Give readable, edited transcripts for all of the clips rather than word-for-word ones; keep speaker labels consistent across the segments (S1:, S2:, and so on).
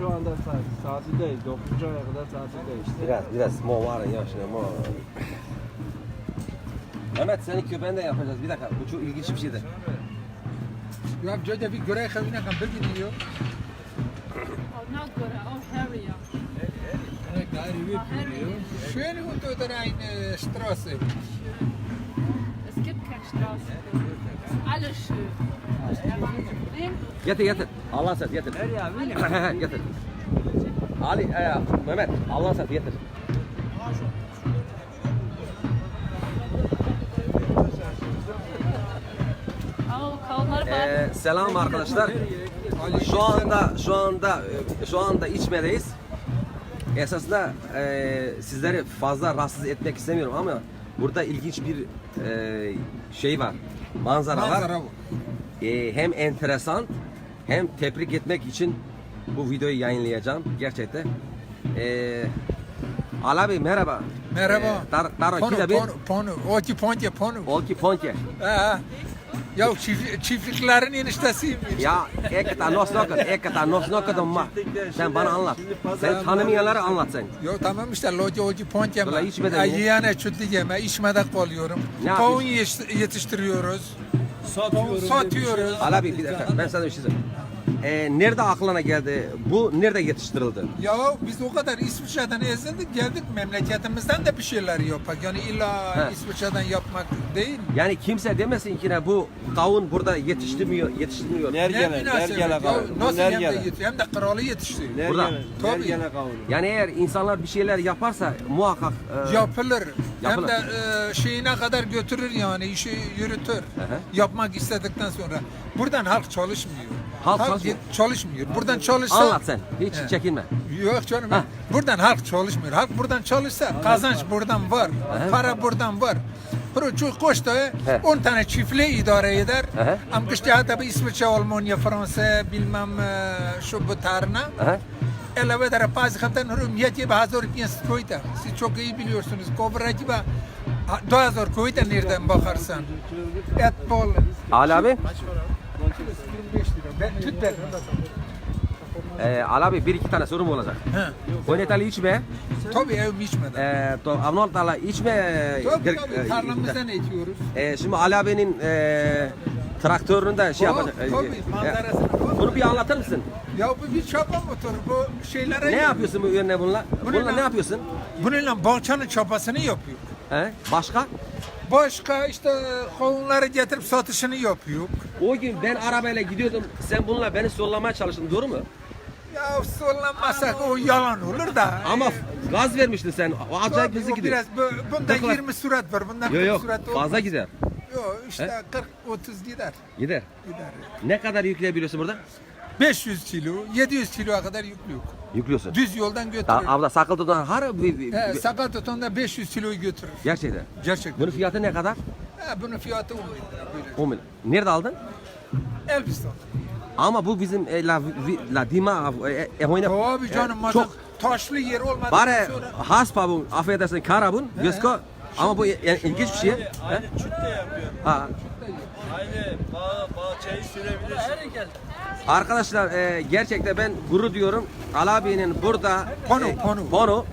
S1: şu anda tatildeyiz. 9. aya kadar tatildeyiz.
S2: Biraz mo var ya şimdi mo. Mehmet senin köpeğini de yapacağız. Bir dakika bu çok ilginç bir şeydir.
S3: Ya joda bir göre kavine kan bilmiyor.
S4: Oh, not good. Oh, Harrier.
S3: Ne gayri biliyor. Schön und oder eine Straße.
S4: Es gibt keine Straße. Es ist alles schön.
S2: Getir. Allah sen getir. Getir. Ali, Mehmet Allah sen getir.
S4: Oh, kavunları bağlı.
S2: Selam arkadaşlar. Şu anda içmedeyiz. Esasında sizleri fazla rahatsız etmek istemiyorum ama burada ilginç bir şey var. Manzara var. Hem enteresan hem tebrik etmek için bu videoyu yayınlayacağım gerçekten. Alabi merhaba.
S3: Merhaba.
S2: Taro kizabi.
S3: Ponu. Oki ponte ponu.
S2: Olki ponke.
S3: Ya çiftliklerin eniştesiyim.
S2: Ya ekata nosnokadın ma. Sen bana anlat. Sen tanımayanları anlat sen.
S3: Yo tamam işte loca oci ponte
S2: Dolayı
S3: mi?
S2: içmeden mi?
S3: Yiyene çütlü yeme, içmede kalıyorum.
S2: Ne
S3: Kavun yetiştiriyoruz. Satıyoruz.
S2: Alabi bir dakika ben sana bir şey söyleyeyim. Nerede aklına geldi? Bu nerede yetiştirildi?
S3: Ya biz o kadar İsviçre'den ezildik geldik memleketimizden de bir şeyler yapak. Yani illa
S2: He.
S3: İsviçre'den yapmak değil.
S2: Yani kimse demesin ki ne bu kavun burada yetiştirmiyor.
S1: Nergele kavunu.
S3: Nasıl hem de
S1: Nergele.
S3: hem de kralı yetiştiriyor.
S2: Burada.
S3: Tabii.
S1: Nergele kavunu.
S2: Yani eğer insanlar bir şeyler yaparsa muhakkak
S3: Yapılır. Hem
S2: Yapılır.
S3: de şeyine kadar götürür yani işi yürütür. Yapmak istedikten sonra. Buradan halk çalışmıyor.
S2: Halk çalışmıyor.
S3: Çalışmıyor. Buradan çalışsa
S2: anlat sen. Hiç
S3: He.
S2: çekinme.
S3: Yok canım. Buradan halk çalışmıyor. Halk buradan çalışsa kazanç buradan var. Para buradan var. Çünkü koşta 10 tane çiftliği idare eder. Ama işte tabi İsviçre, Almanya, Fransa bilmem şu bu tarına. Elave der bazı kaptan hürmiyeti ve hazır piyasası koyda. Siz çok iyi biliyorsunuz. Kovracı ve 2000 koyda nereden bakarsan. Et bol.
S2: Ali abi.
S3: 25 lira. Ben tüt ver.
S2: Ali abi bir iki tane sorum olacak. Oynatalı içme.
S3: Tabii evim içmeden.
S2: Avnoltala içme.
S3: Tabii tarlamızdan ekiyoruz.
S2: Şimdi Ali abinin traktörünü de şey yapacak.
S3: Tabii manzarasını.
S2: Bunu bir anlatır mısın?
S3: Ya bu bir çapa motoru bu şeylere.
S2: Ne yapıyorsun bu ürüne bununla? Bununla ne yapıyorsun?
S3: Bununla bahçenin çapasını yapıyor.
S2: Başka?
S3: Başka işte kavunları getirip satışını yapıyor.
S2: O gün ben arabayla gidiyordum. Sen bununla beni sollamaya çalıştın. Doğru mu?
S3: Ya sollanmasak o yalan olur da.
S2: Ama gaz vermiştin sen. O acayip
S3: Tabii,
S2: hızlı
S3: o
S2: gidiyor.
S3: bunda
S2: Ne kadar?
S3: 20 sürat var. Bundan 40
S2: Yok
S3: sürat olmaz.
S2: fazla gider.
S3: Yok işte 40-30 gider.
S2: Gider.
S3: Gider.
S2: Ne kadar yükleyebiliyorsun burada?
S3: 500 kilo, 700 kiloya kadar yüklüyor.
S2: Yüklüyorsun.
S3: Düz yoldan götürür.
S2: Abla sakal tutan har
S3: Sakal tutan 500 kiloyu götürür.
S2: gerçekten.
S3: Gerçekten.
S2: Bunun fiyatı ne kadar?
S3: Bunun fiyatı 10 bin lira böyle.
S2: 10 milyon. Nerede aldın?
S3: Elbistan.
S2: Ama bu bizim la dima oyna.
S3: Tabii canım
S2: çok
S3: taşlı yer olmadı.
S2: bare haspa bu affedersin karabun gösko ama bu yani ilginç bir şey.
S1: Aynı çütte yapıyor.
S2: Ha.
S1: Aynı bahçeyi sürebilirsin.
S2: Arkadaşlar gerçekten ben gurur diyorum. Ali abinin burada Pono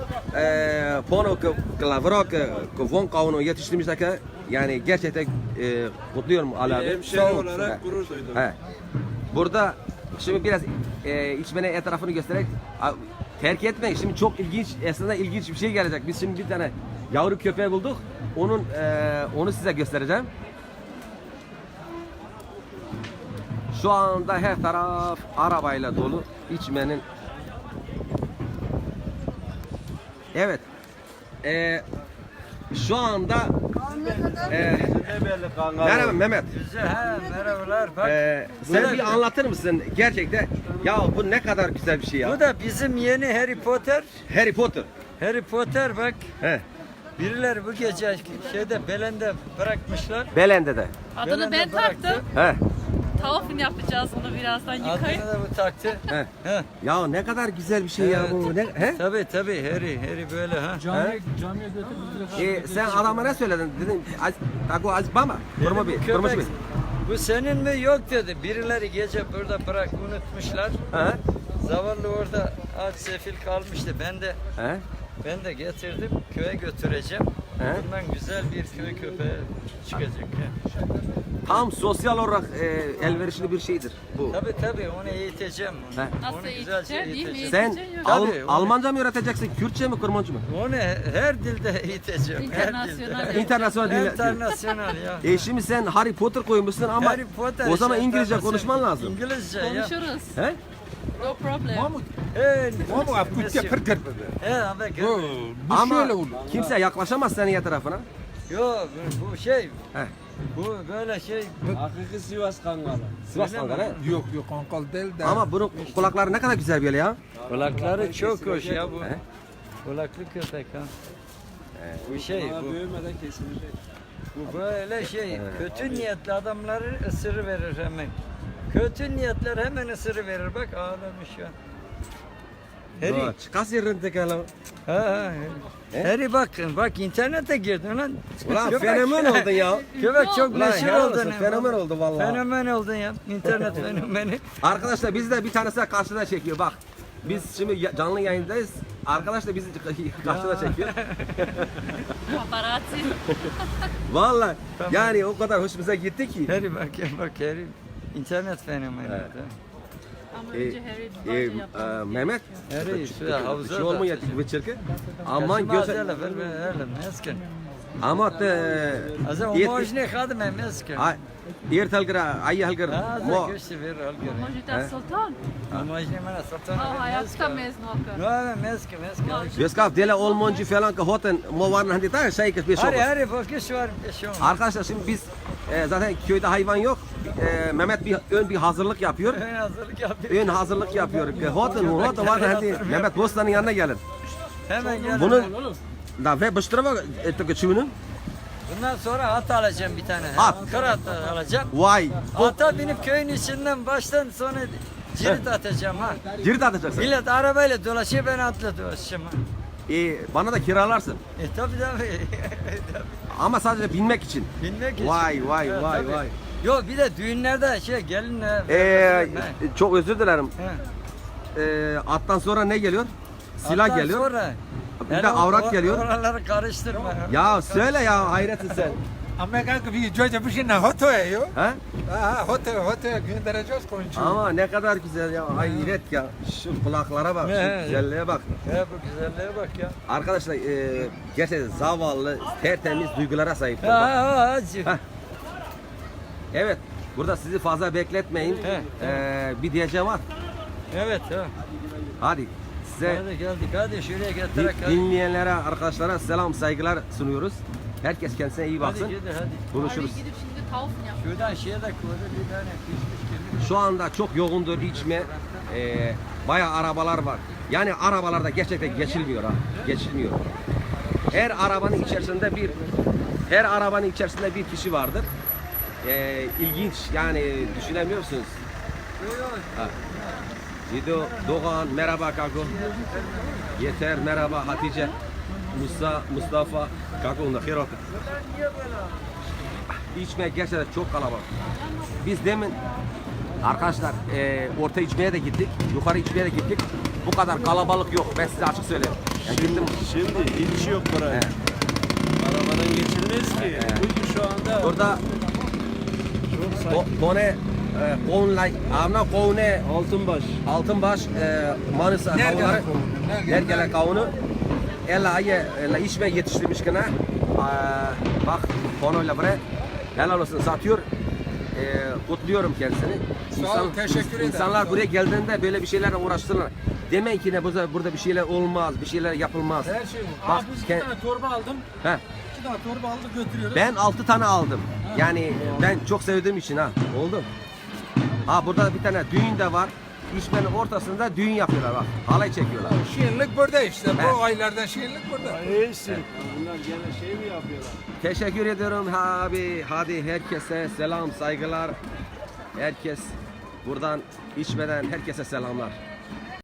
S2: Klavro Von kavunu yetiştirmişler yani gerçekten mutluyum Ali abi.
S1: Hemşeri olarak gurur duydum.
S2: Burada şimdi biraz içmene etrafını göstererek terk etmeyin. Şimdi çok ilginç aslında ilginç bir şey gelecek. Biz şimdi bir tane yavru köpeği bulduk. Onu size göstereceğim. Şu anda her taraf arabayla dolu. İçmenin. Evet. Şu anda merhaba Mehmet.
S5: Merhabalar. Bak,
S2: Sen bir anlatır mısın gerçekten? Ya bu ne kadar güzel bir şey ya.
S5: bu da bizim yeni Harry Potter.
S2: Harry Potter.
S5: Harry Potter bak.
S2: He.
S5: Birileri bu gece şeyde Belen'de bırakmışlar.
S2: Belen'de de.
S4: Adını ben
S5: Belen'de bıraktı.
S4: taktım.
S2: He.
S4: Tavafını yapacağız bunu birazdan yıkayıp.
S5: Adını da bu taktı.
S2: He.
S5: He.
S2: Ya ne kadar güzel bir şey ya bu. Ne? He?
S5: Tabii Harry böyle ha.
S2: Sen adama ne söyledin? Dedin Tago az bama. Kurma bir.
S5: Köpek,
S2: Kurmuş bir.
S5: bu senin mi? Yok dedi. Birileri gece burada unutmuşlar.
S2: He.
S5: Zavallı orada aç sefil kalmıştı.
S2: He?
S5: Ben de getirdim köye götüreceğim.
S2: He?
S5: Bundan güzel bir köy köpeği çıkacak. Ya.
S2: Tam sosyal olarak elverişli bir şeydir bu.
S5: Tabii onu eğiteceğim.
S2: He.
S4: Nasıl
S5: Onu güzelce
S4: eğiteceğim, değil mi?
S5: eğiteceğim.
S2: Sen
S4: Eğiteceksin yok.
S5: Tabii, onu-
S2: Almanca mı öğreteceksin, Kürtçe mi, Kurmanca mı?
S5: Onu her dilde eğiteceğim. Her
S4: İnternasyonel.
S5: dilde.
S2: İnternasyonel dil.
S5: İnternasyonel ya.
S2: Şimdi sen Harry Potter koymuşsun ama
S5: Harry Potter
S2: o zaman
S5: işte,
S2: İngilizce
S5: ben de
S2: konuşman lazım.
S5: İngilizce ya.
S4: Konuşuruz.
S2: He?
S4: No problem.
S3: Mahmut,
S5: Hey,
S3: Mahmut apkut yapır gır.
S5: He abi gel.
S3: Bu
S2: Ama
S3: şöyle olur.
S2: kimse yaklaşamaz senin tarafına.
S5: Yok bu şey.
S2: He.
S5: Bu böyle şey.
S1: Hakiki Sivas Kangalı.
S2: Sivas
S5: Öyle mi?
S2: Kangalı.
S3: Yok kankal değil de.
S2: Ama bunun kulakları ne kadar güzel böyle ya.
S5: Kulakları çok hoş ya bu.
S2: He?
S5: Kulaklı köpek ha. Bu şey
S1: Bana
S5: bu.
S1: büyümeden kesilecek.
S5: Bu böyle şey. Kötü niyetli adamları ısırı verir hemen. Kötü niyetler hemen ısırı verir. Bak ağlamış ya. Harry.
S2: Çıkas yerine tekerle.
S5: Ha. Harry bak internete girdin lan.
S2: Ulan
S5: Köpek-
S2: fenomen oldun ya.
S5: Köpek çok
S2: Ulan
S5: meşhur
S2: helal
S5: oldun.
S2: olsun,
S5: ya.
S2: fenomen oldu vallahi.
S5: Fenomen oldun ya. İnternet fenomeni.
S2: Arkadaşlar biz de bir tanesi karşıda çekiyor bak. Biz şimdi canlı yayındayız. Arkadaş da bizi karşıda çekiyor.
S4: Paparazzi.
S2: Vallahi yani o kadar hoşumuza gitti ki.
S5: Harry bak Harry. İnternet fenomeni.
S2: Evet.
S5: Ha.
S4: Ama önce Harry yaptı.
S2: Mehmet.
S5: Harry şu havuzda.
S2: Şey olmuyor bu çirkin. Aman
S5: göz.
S2: göz.
S5: Meskin.
S2: Ama
S5: Also umožni hadme meskin.
S2: Ertelgra, ayhelgra.
S5: Hadi göçtü ver al göre.
S4: Može da sultan?
S5: Umožni mana sultan.
S4: Aha, hayatta mezun okar.
S5: No, meskin.
S2: Göskav dele olmoncu falan ki hoten mo var hadi ta şey ki bir şey.
S5: Harry bak şu var şu.
S2: Arkadaşlar şimdi biz zaten köyde hayvan yok. Mehmet bir hazırlık yapıyor.
S5: Ön hazırlık yapıyor.
S2: Ön hazırlık yapıyor. Hoten var hadi Mehmet Bostan'ın yanına gelin.
S5: Hemen gel.
S2: Bunun da ve bıştıra ettik çümünün.
S5: Bundan sonra at alacağım bir tane.
S2: At.
S5: Kırat alacağım.
S2: Vay.
S5: Ata binip köyün içinden baştan sonra cirit atacağım ha.
S2: Cirit atacaksın.
S5: Millet arabayla dolaşıyor ben atla dolaşacağım ha.
S2: Bana da kiralarsın.
S5: Tabii.
S2: Ama sadece binmek için.
S5: Bilmek için.
S2: Vay
S5: Ha,
S2: vay
S5: tabii.
S2: vay.
S5: Yok bir de düğünlerde gelinle.
S2: Çok özür dilerim. Attan sonra ne geliyor? Silah
S5: Attan
S2: geliyor.
S5: Sonra,
S2: Bir de avrak geliyor.
S5: Oraları karıştırma.
S2: Ya söyle ya hayretsin sen.
S3: Ama kanka bir çocuğa bir şey ne hotoya yo.
S2: He?
S3: Ha hotoya göndereceğiz koyuncu.
S2: Ama ne kadar güzel ya. Hayret ya. Şu kulaklara bak.
S5: He.
S2: Şu güzelliğe bak.
S5: Ya bu güzelliğe bak ya.
S2: Arkadaşlar gerçekten zavallı, tertemiz duygulara sahiptir. Bak.
S5: Hacı.
S2: Heh. Evet. Burada sizi fazla bekletmeyin. Bir diyeceğim var.
S5: Evet ha.
S2: Hadi size
S5: Hadi geldik hadi şuraya getirek hadi.
S2: dinleyenlere, arkadaşlara selam, saygılar sunuyoruz. Herkes kendisine iyi baksın.
S5: Hadi hadi.
S4: Harry
S2: Konuşuruz.
S4: gidip şimdi tavuk yap.
S5: Şuradan şeye de koydu bir tane pişmiş gibi.
S2: Şu anda çok yoğundur içme. Bayağı arabalar var. Yani arabalarda gerçekten geçilmiyor ha. Geçilmiyor. Her arabanın içerisinde bir kişi vardır. İlginç yani düşünemiyorsunuz. Ha. Cido, Doğan, merhaba Kako. Yeter, merhaba Hatice. Mustafa, Kako, Khirot. İçme gerçekten çok kalabalık. Biz demin arkadaşlar orta içmeye de gittik, yukarı içmeye de gittik. Bu kadar kalabalık yok. Ben size açık söyleyeyim. Yani gittim.
S1: Şimdi hiç yok buraya.
S2: He.
S1: Arabadan geçilmez ki. Bugün şu anda
S2: Orada Kone Kovunlay, Avna Kovune Altınbaş Manisa kavunları Nergele kavunu ella içme yetiştirmiş gene. Bak konuyla buraya helal olsun satıyor. Kutluyorum kendisini.
S3: Sağ ol, teşekkür ederim.
S2: İnsanlar buraya geldiğinde böyle bir şeylerle uğraştırırlar. Demeyin ki ne burada bir şeyler olmaz, bir şeyler yapılmaz.
S3: Her şey bu.
S2: Bak,
S3: Biz 2 tane torba aldım.
S2: He.
S3: 2 tane torba aldık götürüyoruz.
S2: Ben 6 tane aldım. Yani ben çok sevdiğim için ha. Oldu. Ha burada bir tane düğün de var. İçmenin ortasında düğün yapıyorlar bak. Halay çekiyorlar.
S3: Şiirlik burada işte.
S2: He.
S3: Bu aylardan şiirlik burada.
S1: neyse. Bunlar gene şey mi yapıyorlar?
S2: Teşekkür ediyorum abi. Hadi herkese selam, saygılar. Herkes buradan içmeden herkese selamlar.